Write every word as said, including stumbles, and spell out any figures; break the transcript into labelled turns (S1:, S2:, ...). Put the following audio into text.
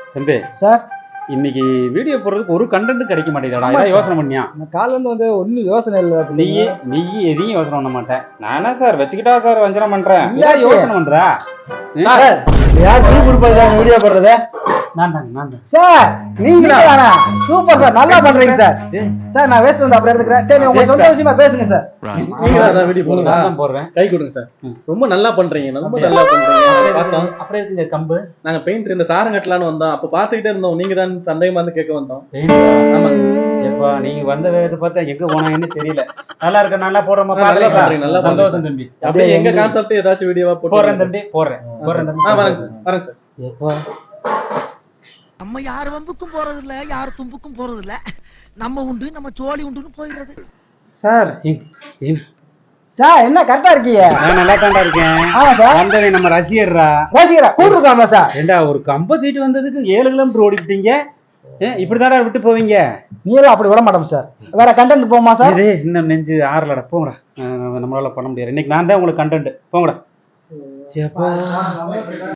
S1: தம்பி
S2: சார்
S1: இன்னைக்கு வீடியோ போடுறதுக்கு ஒரு கண்டென்ட் கிடைக்க மாட்டேங்குதுடா. ஏதாவது யோசனை பண்ணியா?
S2: இந்த கால் வந்து வந்து ஒன்றும் யோசனை இல்லை.
S1: நீ நீ எதையும் யோசனை பண்ண மாட்டேன்.
S3: நானா சார் வச்சுக்கிட்டா சார் வஞ்சனம் பண்றேன்.
S1: இல்ல யோசனை பண்றா.
S2: யார் டீ கொடுப்பது வீடியோ போடுறது?
S1: நான் தாங்க நான் தான்
S2: சார் நீங்களா? சூப்பர் சார், நல்லா பண்றீங்க சார். சார் நான் வேஸ்ட் வந்து அப்புறம் எடுத்துக்கிறேன். சரி உங்க சொந்த விஷயமா பேசுங்க சார்.
S4: நீங்க தான் வீடியோ போடுங்க.
S1: நான் தான் போடுறேன்.
S4: கை கொடுங்க சார். ரொம்ப நல்லா பண்றீங்க, ரொம்ப நல்லா பண்றீங்க. பார்த்தோம்.
S1: அப்புறம் இந்த கம்பு
S4: நாங்க பெயிண்ட் இந்த சாரம் கட்டலான்னு வந்தோம். அப்ப பாத்துக்கிட்டே இருந்தோம். நீங்க தான் சந்தேகமா வந்து கேட்க வந்தோம்.
S1: ஆமாங்க. எப்பா நீங்க வந்த வேகத்தை பார்த்தா எங்க போனாங்கன்னு தெரியல. நல்லா இருக்க, நல்லா போடுறோமா?
S4: நல்லா பண்றீங்க, நல்லா
S1: சந்தோஷம் தம்பி.
S4: அப்படியே எங்க கான்செப்ட் ஏதாச்சும் வீடியோவா
S1: போடுறேன் தம்பி, போடுறேன் போடுறேன் தம்பி.
S4: ஆ வரேன் சார், வரேன் சார்.
S1: எப்பா
S5: நம்ம யார் வம்புக்கும் போறது இல்ல, யார் தும்புக்கும் போறது இல்ல. நம்ம உண்டு நம்ம சோழி உண்டுன்னு போயிடுறது.
S1: சார்
S2: சார் என்ன கரெக்டா இருக்கீங்க?
S1: நான் நல்லா தாண்டா இருக்கேன்.
S2: ஆமா சார்.
S1: வந்தவன் நம்ம ரசிகர்ரா.
S2: ரசிகரா கூப்பிட்டுருக்காமா சார்?
S1: ஏண்டா ஒரு கம்ப சீட்டு வந்ததுக்கு ஏழு கிலோமீட்டர் ஓடிக்கிட்டீங்க. இப்படிதாடா விட்டு போவீங்க?
S2: நீங்களும் அப்படி விட மாட்டோம் சார். வேற கண்டென்ட் போமா சார்?
S1: இன்னும் நெஞ்சு ஆறலடா. போங்கடா, நம்மளால பண்ண முடியாது. இன்னைக்கு நான் தான் உங்களுக்கு கண்டென்ட். போங்கடா.